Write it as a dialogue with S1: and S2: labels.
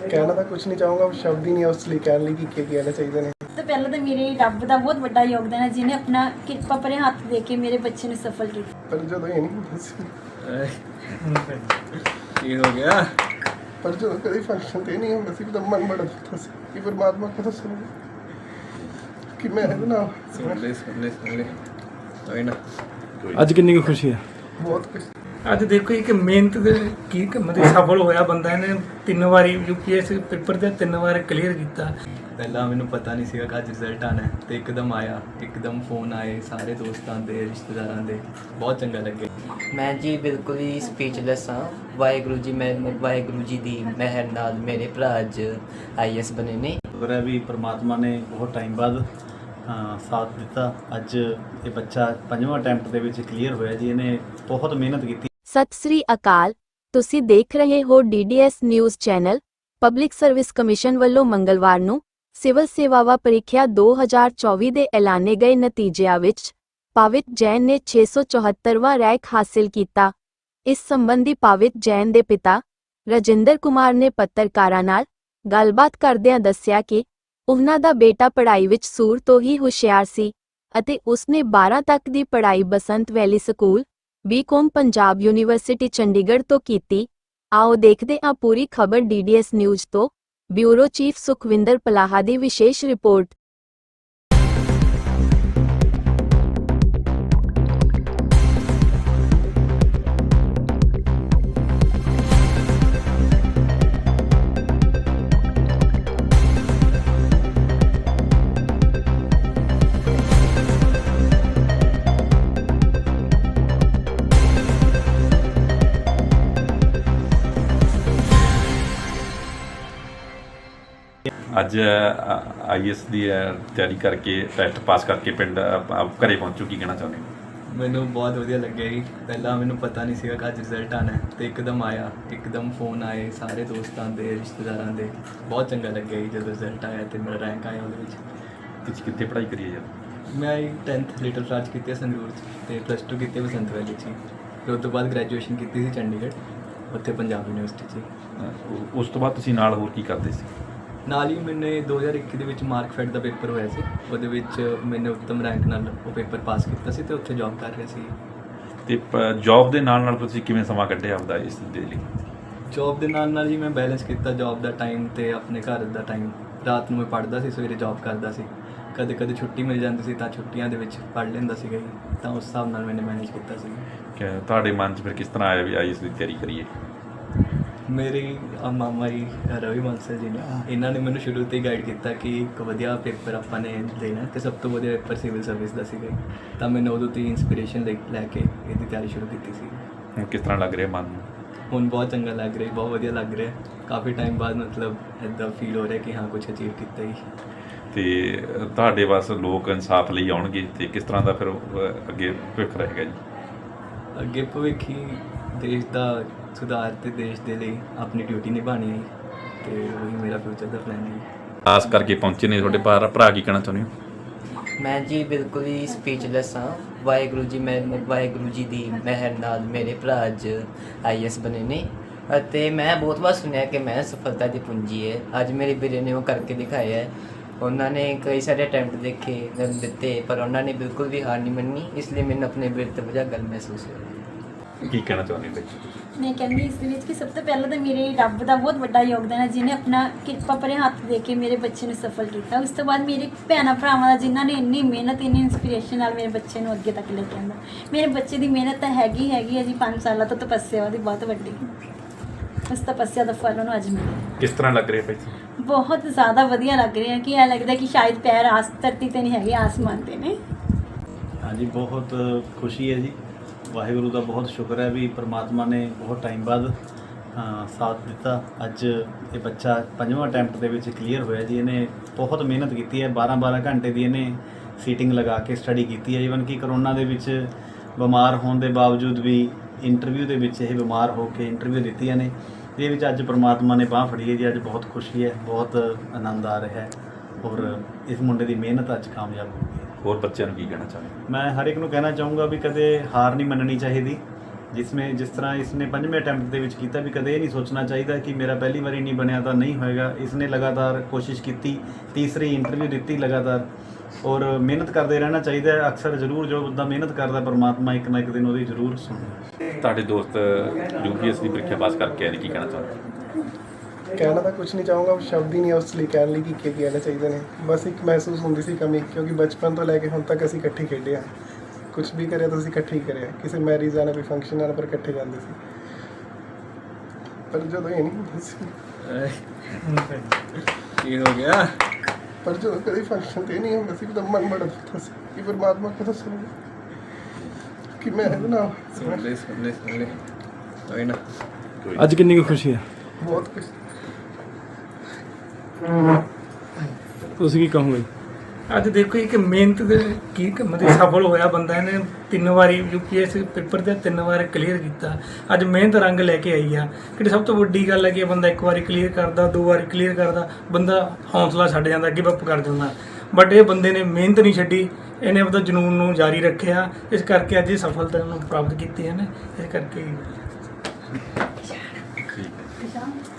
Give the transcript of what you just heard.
S1: ਕਹਿਣਾ ਤਾਂ ਕੁਝ ਨਹੀਂ ਚਾਹੂੰਗਾ, ਸ਼ਬਦ ਹੀ ਨਹੀਂ ਉਸ ਲਈ ਕਹਿਣ ਲਈ ਕਿ ਕਹਿਣਾ ਚਾਹੀਦੇ ਨੇ।
S2: ਤਾਂ ਪਹਿਲਾਂ ਤਾਂ ਮੇਰੇ ਰੱਬ ਦਾ ਬਹੁਤ ਵੱਡਾ ਯੋਗਦਾਨ ਹੈ ਜਿਹਨੇ ਆਪਣਾ ਕਿਰਪਾ ਭਰੇ ਹੱਥ ਦੇ ਕੇ ਮੇਰੇ ਬੱਚੇ ਨੂੰ ਸਫਲ ਕੀਤਾ।
S1: ਪਰ ਜਦੋਂ ਇਹ ਨਹੀਂ ਹੁੰਦਾ ਸੀ,
S3: ਕੀ ਹੋ ਗਿਆ?
S1: ਪਰ ਜਦੋਂ ਕਦੇ ਫੰਕਸ਼ਨ ਤੇ ਨਹੀਂ ਹੁੰਦਾ ਸੀ ਤਾਂ ਮਨ ਬੜਾ ਦੁਖਦਾ ਸੀ ਕਿ ਪਰਮਾਤਮਾ ਕਦੋਂ ਸੁਣੇਗਾ ਕਿ ਮੈਂ ਇਹਦੇ ਨਾਲ
S3: ਸੁਣ ਲੈ ਕੋਈ ਨਾ।
S4: ਅੱਜ ਕਿੰਨੀ ਕੁ ਖੁਸ਼ੀ ਹੈ?
S1: ਬਹੁਤ ਕੁਝ।
S5: ਅੱਜ ਦੇਖੋ ਇੱਕ ਮਿਹਨਤ ਦੇ ਕੀ ਮਤਲਬ ਸਫਲ ਹੋਇਆ ਬੰਦਾ। ਇਹਨੇ 3 ਵਾਰੀ UPSC ਪੇਪਰ ਦੇ 3 ਵਾਰ ਕਲੀਅਰ ਕੀਤਾ।
S3: ਪਹਿਲਾਂ ਮੈਨੂੰ ਪਤਾ ਨਹੀਂ ਸੀਗਾ ਕਿ ਅੱਜ ਰਿਜ਼ਲਟ ਆਣਾ ਹੈ ਤੇ ਇੱਕਦਮ ਆਇਆ, ਇੱਕਦਮ ਫੋਨ ਆਏ ਸਾਰੇ ਦੋਸਤਾਂ ਦੇ, ਰਿਸ਼ਤੇਦਾਰਾਂ ਦੇ। ਬਹੁਤ ਚੰਗਾ ਲੱਗਿਆ।
S6: ਮੈਂ ਜੀ ਬਿਲਕੁਲ ਹੀ ਸਪੀਚਲੈਸ ਹਾਂ। ਵਾਹਿਗੁਰੂ ਜੀ ਦੀ ਮਿਹਰ ਨਾਲ ਮੇਰੇ ਭਰਾ ਅੱਜ IAS ਬਣੇ ਨੇ।
S7: ਸ਼ੁਕਰ ਹੈ ਵੀ ਪ੍ਰਮਾਤਮਾ ਨੇ ਬਹੁਤ ਟਾਈਮ ਬਾਅਦ ਸਾਥ ਦਿੱਤਾ। ਅੱਜ ਇਹ ਬੱਚਾ 5ਵਾਂ ਅਟੈਂਪਟ ਦੇ ਵਿੱਚ ਕਲੀਅਰ ਹੋਇਆ ਜੀ। ਇਹਨੇ ਬਹੁਤ ਮਿਹਨਤ ਕੀਤੀ।
S8: ਸਤਿ ਸ੍ਰੀ ਅਕਾਲ, ਤੁਸੀਂ ਦੇਖ ਰਹੇ ਹੋ DDS news channel. Public service commission ਵੱਲੋਂ ਮੰਗਲਵਾਰ ਨੂੰ ਸਿਵਲ ਸੇਵਾਵਾਂ ਪ੍ਰੀਖਿਆ 2024 ਦੇ ਐਲਾਨੇ ਗਏ ਨਤੀਜਿਆਂ ਵਿੱਚ ਪਾਵਿਤ ਜੈਨ ਨੇ 674ਵਾਂ ਰੈਂਕ ਹਾਸਿਲ ਕੀਤਾ। ਇਸ ਸੰਬੰਧੀ ਪਾਵਿਤ ਜੈਨ ਦੇ ਪਿਤਾ ਰਜਿੰਦਰ ਕੁਮਾਰ ਨੇ ਪੱਤਰਕਾਰਾਂ ਨਾਲ ਗੱਲਬਾਤ ਕਰਦਿਆਂ ਦੱਸਿਆ ਕਿ ਉਹਨਾਂ ਦਾ ਬੇਟਾ ਪੜ੍ਹਾਈ ਵਿੱਚ ਸ਼ੁਰੂ ਤੋਂ ਹੀ ਹੁਸ਼ਿਆਰ ਸੀ ਅਤੇ ਉਸਨੇ 12 ਤੱਕ ਦੀ ਪੜ੍ਹਾਈ Basant valley school BCom Punjab university Chandigarh ਤੋਂ ਕੀਤੀ। ਆਓ ਦੇਖਦੇ ਹਾਂ ਪੂਰੀ ਖਬਰ DDS ਨਿਊਜ਼ ਤੋਂ। ਬਿਊਰੋ ਚੀਫ ਸੁਖਵਿੰਦਰ ਪਲਾਹਾ ਦੀ ਵਿਸ਼ੇਸ਼ ਰਿਪੋਰਟ।
S9: ਅੱਜ IAS ਦੀ ਤਿਆਰੀ ਕਰਕੇ ਟੈਸਟ ਪਾਸ ਕਰਕੇ ਪਿੰਡ ਘਰੇ ਪਹੁੰਚੋ, ਕੀ ਕਹਿਣਾ ਚਾਹੁੰਦੇ ਹੋ?
S3: ਮੈਨੂੰ ਬਹੁਤ ਵਧੀਆ ਲੱਗਿਆ ਜੀ। ਪਹਿਲਾਂ ਮੈਨੂੰ ਪਤਾ ਨਹੀਂ ਸੀਗਾ ਕਿ ਅੱਜ ਰਿਜ਼ਲਟ ਆਣਾ ਹੈ ਤੇ ਇੱਕਦਮ ਆਇਆ, ਇੱਕਦਮ ਫੋਨ ਆਏ ਸਾਰੇ ਦੋਸਤਾਂ ਦੇ, ਰਿਸ਼ਤੇਦਾਰਾਂ ਦੇ। ਬਹੁਤ ਚੰਗਾ ਲੱਗਿਆ ਜੀ ਜਦੋਂ ਰਿਜ਼ਲਟ ਆਇਆ ਤੇ ਮੇਰਾ ਰੈਂਕ ਆਇਆ ਉਹਦੇ ਵਿੱਚ।
S9: ਤੁਸੀਂ ਕਿੱਥੇ ਪੜ੍ਹਾਈ ਕਰੀ ਹੈ ਯਾਰ?
S3: ਮੈਂ 10th ਲਿਟਲ ਫਲਾਰਜ ਕੀਤੀ ਹੈ ਸੰਗਰੂਰ 'ਚ ਤੇ +2 ਕੀਤੀ ਬਸੰਤ ਵੈਲੀ 'ਚ। ਫਿਰ ਉਸ ਤੋਂ ਬਾਅਦ ਗ੍ਰੈਜੂਏਸ਼ਨ ਕੀਤੀ ਸੀ ਚੰਡੀਗੜ੍ਹ, ਉੱਥੇ ਪੰਜਾਬ ਯੂਨੀਵਰਸਿਟੀ 'ਚ।
S9: ਉਸ ਤੋਂ ਬਾਅਦ ਤੁਸੀਂ ਨਾਲ ਹੋਰ ਕੀ ਕਰਦੇ ਸੀ?
S3: ਨਾਲ ਹੀ ਮੈਨੇ 2021 ਦੇ ਵਿੱਚ ਮਾਰਕਫੈਟ ਦਾ ਪੇਪਰ ਹੋਇਆ ਸੀ, ਉਹਦੇ ਵਿੱਚ ਮੈਨੇ ਉੱਤਮ ਰੈਂਕ ਨਾਲ ਉਹ ਪੇਪਰ ਪਾਸ ਕੀਤਾ ਸੀ ਤੇ ਉੱਥੇ ਜੌਬ ਕਰ ਰਿਹਾ ਸੀ।
S9: ਤੇ ਜੌਬ ਦੇ ਨਾਲ ਨਾਲ ਤੁਸੀਂ ਕਿਵੇਂ ਸਮਾਂ ਕੱਢਿਆ ਆਪਦਾ ਇਸ ਦੇ ਲਈ?
S3: ਜੌਬ ਦੇ ਨਾਲ ਜੀ ਮੈਂ ਬੈਲੈਂਸ ਕੀਤਾ ਜੌਬ ਦਾ ਟਾਈਮ ਤੇ ਆਪਣੇ ਘਰ ਦਾ ਟਾਈਮ। ਰਾਤ ਨੂੰ ਮੈਂ ਪੜ੍ਹਦਾ ਸੀ, ਸਵੇਰੇ ਜੌਬ ਕਰਦਾ ਸੀ। ਕਦੇ ਕਦੇ ਛੁੱਟੀ ਮਿਲ ਜਾਂਦੀ ਸੀ ਤਾਂ ਛੁੱਟੀਆਂ ਦੇ ਵਿੱਚ ਪੜ੍ਹ ਲੈਂਦਾ ਸੀਗਾ ਜੀ। ਤਾਂ ਉਸ ਹਿਸਾਬ ਨਾਲ ਮੈਨੇ ਮੈਨੇਜ ਕੀਤਾ ਸੀ।
S9: ਕਿ ਤੁਹਾਡੇ ਮਨ 'ਚ ਫਿਰ ਕਿਸ ਤਰ੍ਹਾਂ ਆਇਆ ਵੀ IAS ਦੀ ਤਿਆਰੀ ਕਰੀਏ?
S3: ਮੇਰੀ ਮਾਮਾ ਜੀ ਰਵੀ ਬਾਂਸਲ ਜੀ ਨੇ, ਇਹਨਾਂ ਨੇ ਮੈਨੂੰ ਸ਼ੁਰੂ ਤੋਂ ਹੀ ਗਾਈਡ ਕੀਤਾ ਕਿ ਇੱਕ ਵਧੀਆ ਪੇਪਰ ਆਪਾਂ ਨੇ ਦੇਣਾ ਤੇ ਸਭ ਤੋਂ ਵਧੀਆ ਪੇਪਰ ਸਿਵਲ ਸਰਵਿਸ ਦਾ ਸੀਗਾ। ਤਾਂ ਮੈਨੂੰ ਉਦੋਂ ਤੋਂ ਹੀ ਇੰਸਪੀਰੇਸ਼ਨ ਲੈ ਕੇ ਇਹਦੀ ਤਿਆਰੀ ਸ਼ੁਰੂ ਕੀਤੀ ਸੀ।
S9: ਹੁਣ ਕਿਸ ਤਰ੍ਹਾਂ ਲੱਗ ਰਿਹਾ ਮਨ ਨੂੰ?
S3: ਹੁਣ ਬਹੁਤ ਚੰਗਾ ਲੱਗ ਰਿਹਾ, ਬਹੁਤ ਵਧੀਆ ਲੱਗ ਰਿਹਾ। ਕਾਫੀ ਟਾਈਮ ਬਾਅਦ ਮਤਲਬ ਇੱਦਾਂ ਫੀਲ ਹੋ ਰਿਹਾ ਕਿ ਹਾਂ ਕੁਝ ਅਚੀਵ ਕੀਤਾ ਹੀ।
S9: ਤੇ ਤੁਹਾਡੇ ਬਸ ਲੋਕ ਇਨਸਾਫ ਲਈ ਆਉਣਗੇ ਤੇ ਕਿਸ ਤਰ੍ਹਾਂ ਦਾ ਫਿਰ ਅੱਗੇ ਭਵਿੱਖ ਰਹੇਗਾ ਜੀ?
S3: ਅੱਗੇ ਭਵਿੱਖ ਹੀ ਦੇਸ਼ ਦਾ ਸੁਧਾਰ ਤੇ ਦੇਸ਼ ਦੇ ਲਈ ਆਪਣੀ ਡਿਊਟੀ ਨਿਭਾਉਣੀ ਹੈ ਤੇ ਉਹੀ ਮੇਰਾ ਫਿਊਚਰ ਦਾ ਪਲਾਨ ਹੈ।
S9: ਖਾਸ ਕਰਕੇ ਪਹੁੰਚੇ ਨੇ ਤੁਹਾਡੇ ਭਰਾ, ਕੀ ਕਹਿਣਾ ਚਾਹੁੰਦੇ ਹੋ?
S6: ਮੈਂ ਜੀ ਬਿਲਕੁਲ ਹੀ ਸਪੀਚਲੈਸ ਹਾਂ। ਵਾਹਿਗੁਰੂ ਜੀ ਦੀ ਮਿਹਰ ਨਾਲ ਮੇਰੇ ਭਰਾ ਅੱਜ IAS ਬਣੇ ਨੇ ਅਤੇ ਮੈਂ ਬਹੁਤ ਵਾਰ ਸੁਣਿਆ ਕਿ ਮੈਂ ਸਫਲਤਾ ਦੀ ਪੂੰਜੀ ਹੈ। ਅੱਜ ਮੇਰੇ ਵੀਰੇ ਨੇ ਉਹ ਕਰਕੇ ਦਿਖਾਇਆ ਹੈ। ਉਹਨਾਂ ਨੇ ਕਈ ਸਾਰੇ ਅਟੈਂਪਟ ਦਿੱਤੇ ਪਰ ਉਹਨਾਂ ਨੇ ਬਿਲਕੁਲ ਵੀ ਹਾਰ ਨਹੀਂ ਮੰਨੀ। ਇਸ ਲਈ ਮੈਨੂੰ ਆਪਣੇ ਵੀਰ ਤੋਂ ਵਜ੍ਹਾ ਗੱਲ ਮਹਿਸੂਸ ਹੋਈ।
S9: ਕੀ ਕਹਿਣਾ ਚਾਹੁੰਦੇ ਹੋ?
S2: ਮੈਂ ਕਹਿੰਦੀ ਇਸ ਦੇ ਵਿੱਚ ਕਿ ਸਭ ਤੋਂ ਪਹਿਲਾਂ ਤਾਂ ਮੇਰੇ ਰੱਬ ਦਾ ਬਹੁਤ ਵੱਡਾ ਯੋਗਦਾਨ ਹੈ ਜਿਹਨੇ ਆਪਣਾ ਕਿਰਪਾ ਭਰੇ ਹੱਥ ਦੇ ਕੇ ਮੇਰੇ ਬੱਚੇ ਨੂੰ ਸਫਲ ਕੀਤਾ। ਉਸ ਤੋਂ ਬਾਅਦ ਮੇਰੇ ਭੈਣਾਂ ਭਰਾਵਾਂ ਦਾ ਜਿਨ੍ਹਾਂ ਨੇ ਇੰਨੀ ਮਿਹਨਤ, ਇੰਨੀ ਇੰਸਪੀਰੇਸ਼ਨ ਨਾਲ ਮੇਰੇ ਬੱਚੇ ਨੂੰ ਅੱਗੇ ਤੱਕ ਲੈ ਕੇ ਆਂਦਾ। ਮੇਰੇ ਬੱਚੇ ਦੀ ਮਿਹਨਤ ਤਾਂ ਹੈਗੀ ਹੈ ਜੀ 5 ਸਾਲਾਂ ਤੋਂ ਤਪੱਸਿਆ ਉਹਦੀ ਬਹੁਤ ਵੱਡੀ। ਉਸ ਤਪੱਸਿਆ ਦਾ ਫਲ ਉਹਨੂੰ ਅੱਜ ਮਿਲਿਆ।
S9: ਕਿਸ ਤਰ੍ਹਾਂ ਲੱਗ ਰਿਹਾ ਭਾਈ?
S2: ਬਹੁਤ ਜ਼ਿਆਦਾ ਵਧੀਆ ਲੱਗ ਰਿਹਾ ਕਿ ਇਹ ਲੱਗਦਾ ਕਿ ਸ਼ਾਇਦ ਪੈਰ ਧਰਤੀ ਤੇ ਨਹੀਂ ਹੈਗੇ, ਆਸਮਾਨ ਤੇ ਨੇ।
S7: ਹਾਂਜੀ, ਬਹੁਤ ਖੁਸ਼ੀ ਹੈ ਜੀ। ਵਾਹਿਗੁਰੂ ਦਾ ਬਹੁਤ ਸ਼ੁਕਰ ਹੈ ਵੀ ਪ੍ਰਮਾਤਮਾ ਨੇ ਬਹੁਤ ਟਾਈਮ ਬਾਅਦ ਸਾਥ ਦਿੱਤਾ। ਅੱਜ ਇਹ ਬੱਚਾ 5ਵਾਂ ਅਟੈਂਪਟ ਦੇ ਵਿੱਚ ਕਲੀਅਰ ਹੋਇਆ ਜੀ। ਇਹਨੇ ਬਹੁਤ ਮਿਹਨਤ ਕੀਤੀ ਹੈ। 12 ਘੰਟੇ ਦੀ ਇਹਨੇ ਸੀਟਿੰਗ ਲਗਾ ਕੇ ਸਟੱਡੀ ਕੀਤੀ ਹੈ। ਈਵਨ ਕਿ ਕਰੋਨਾ ਦੇ ਵਿੱਚ ਬਿਮਾਰ ਹੋਣ ਦੇ ਬਾਵਜੂਦ ਵੀ ਇੰਟਰਵਿਊ ਦੇ ਵਿੱਚ ਇਹ ਬਿਮਾਰ ਹੋ ਕੇ ਇੰਟਰਵਿਊ ਦਿੱਤੀਆਂ ਨੇ। ਇਹਦੇ ਵਿੱਚ ਅੱਜ ਪ੍ਰਮਾਤਮਾ ਨੇ ਬਾਂਹ ਫੜੀ ਹੈ ਜੀ। ਅੱਜ ਬਹੁਤ ਖੁਸ਼ੀ ਹੈ, ਬਹੁਤ ਆਨੰਦ ਆ ਰਿਹਾ ਹੈ ਔਰ ਇਸ ਮੁੰਡੇ ਦੀ ਮਿਹਨਤ ਅੱਜ ਕਾਮਯਾਬ ਹੋ ਗਈ।
S9: ਹੋਰ ਬੱਚਿਆਂ ਨੂੰ ਕੀ ਕਹਿਣਾ ਚਾਹੁੰਦੇ?
S7: ਮੈਂ ਹਰ ਇੱਕ ਨੂੰ ਕਹਿਣਾ ਚਾਹੂੰਗਾ ਵੀ ਕਦੇ ਹਾਰ ਨਹੀਂ ਮੰਨਣੀ ਚਾਹੀਦੀ ਜਿਸ ਤਰ੍ਹਾਂ ਇਸਨੇ 5ਵੇਂ ਅਟੈਂਪਟ ਦੇ ਵਿੱਚ ਕੀਤਾ ਵੀ ਕਦੇ ਇਹ ਨਹੀਂ ਸੋਚਣਾ ਚਾਹੀਦਾ ਕਿ ਮੇਰਾ ਪਹਿਲੀ ਵਾਰੀ ਨਹੀਂ ਬਣਿਆ ਤਾਂ ਨਹੀਂ ਹੋਏਗਾ। ਇਸਨੇ ਲਗਾਤਾਰ ਕੋਸ਼ਿਸ਼ ਕੀਤੀ, ਤੀਸਰੀ ਇੰਟਰਵਿਊ ਦਿੱਤੀ ਲਗਾਤਾਰ, ਔਰ ਮਿਹਨਤ ਕਰਦੇ ਰਹਿਣਾ ਚਾਹੀਦਾ ਹੈ। ਅਕਸਰ ਜ਼ਰੂਰ ਜੋ ਬੰਦਾ ਮਿਹਨਤ ਕਰਦਾ ਪਰਮਾਤਮਾ ਇੱਕ ਨਾ ਇੱਕ ਦਿਨ ਉਹਦੀ ਜ਼ਰੂਰ ਸੁਣਦਾ।
S9: ਤੁਹਾਡੇ ਦੋਸਤ UPS ਦੀ ਪ੍ਰੀਖਿਆ ਪਾਸ ਕਰਕੇ ਆਏ ਨੇ, ਕੀ ਕਹਿਣਾ ਚਾਹੁੰਦੇ?
S1: ਕਹਿਣਾ ਤਾਂ ਕੁਝ ਨਹੀਂ ਚਾਹੂੰਗਾ, ਸ਼ਬਦ ਹੀ ਨਹੀਂ ਉਸ ਲਈ ਕਹਿਣ ਲਈ ਕਿ ਕੀ ਕਹਿਣਾ ਚਾਹੀਦੇ ਨੇ। ਬਸ ਇੱਕ ਮਹਿਸੂਸ ਹੁੰਦੀ ਸੀ ਕਮੀ, ਕਿਉਂਕਿ ਬਚਪਨ ਤੋਂ ਲੈ ਕੇ ਹੁਣ ਤੱਕ ਅਸੀਂ ਇਕੱਠੇ ਖੇਡੇ ਹਾਂ, ਕੁਝ ਵੀ ਕਰਿਆ ਤਾਂ ਅਸੀਂ ਇਕੱਠੇ ਹੀ ਕਰਿਆ, ਕਿਸੇ ਮੈਰਿਜ ਆਣਾ ਕੋਈ ਫੰਕਸ਼ਨ ਆਣਾ ਪਰ ਇਕੱਠੇ ਜਾਂਦੇ ਸੀ। ਪਰ ਜਦੋਂ ਇਹ ਨਹੀਂ ਹੁੰਦਾ ਸੀ,
S3: ਕੀ ਹੋ ਗਿਆ?
S1: ਪਰ ਜਦੋਂ ਕਦੇ ਫੰਕਸ਼ਨ ਤੇ ਨਹੀਂ ਹੁੰਦਾ ਸੀ ਤਾਂ ਮਨ ਬੜਾ ਦੁਖਦਾ ਸੀ ਕਿ ਪਰਮਾਤਮਾ ਕਦੋਂ ਸੁਣੇਗਾ ਕਿ ਮੈਂ ਇਹਦੇ ਨਾਲ
S3: ਸੁਣ ਲੈ ਕੋਈ ਨਾ।
S4: ਅੱਜ ਕਿੰਨੀ ਕੁ ਖੁਸ਼ੀ ਹੈ?
S1: ਬਹੁਤ ਕੁਝ।
S4: ਤੁਸੀਂ ਕੀ ਕਹੋਗੇ?
S5: ਅੱਜ ਦੇਖੋ ਇੱਕ ਮਿਹਨਤ ਦੇ ਕੀ ਮਤਲਬ ਸਫਲ ਹੋਇਆ ਬੰਦਾ, ਇਹਨੇ 3 ਵਾਰੀ UPS ਪੇਪਰ ਦੇ 3 ਵਾਰ ਕਲੀਅਰ ਕੀਤਾ। ਅੱਜ ਮਿਹਨਤ ਰੰਗ ਲੈ ਕੇ ਆਈ ਆ। ਕਿ ਸਭ ਤੋਂ ਵੱਡੀ ਗੱਲ ਹੈ ਕਿ ਬੰਦਾ 1 ਵਾਰੀ ਕਲੀਅਰ ਕਰਦਾ, 2 ਵਾਰੀ ਕਲੀਅਰ ਕਰਦਾ, ਬੰਦਾ ਹੌਸਲਾ ਛੱਡ ਜਾਂਦਾ, ਗਿਵ ਅਪ ਕਰ ਜਾਂਦਾ। ਬਟ ਇਹ ਬੰਦੇ ਨੇ ਮਿਹਨਤ ਨਹੀਂ ਛੱਡੀ, ਇਹਨੇ ਆਪਣਾ ਜਨੂਨ ਨੂੰ ਜਾਰੀ ਰੱਖਿਆ, ਇਸ ਕਰਕੇ ਅੱਜ ਇਹ ਸਫਲਤਾ ਨੂੰ ਪ੍ਰਾਪਤ ਕੀਤੀ ਹੈ ਨੇ। ਇਸ ਕਰਕੇ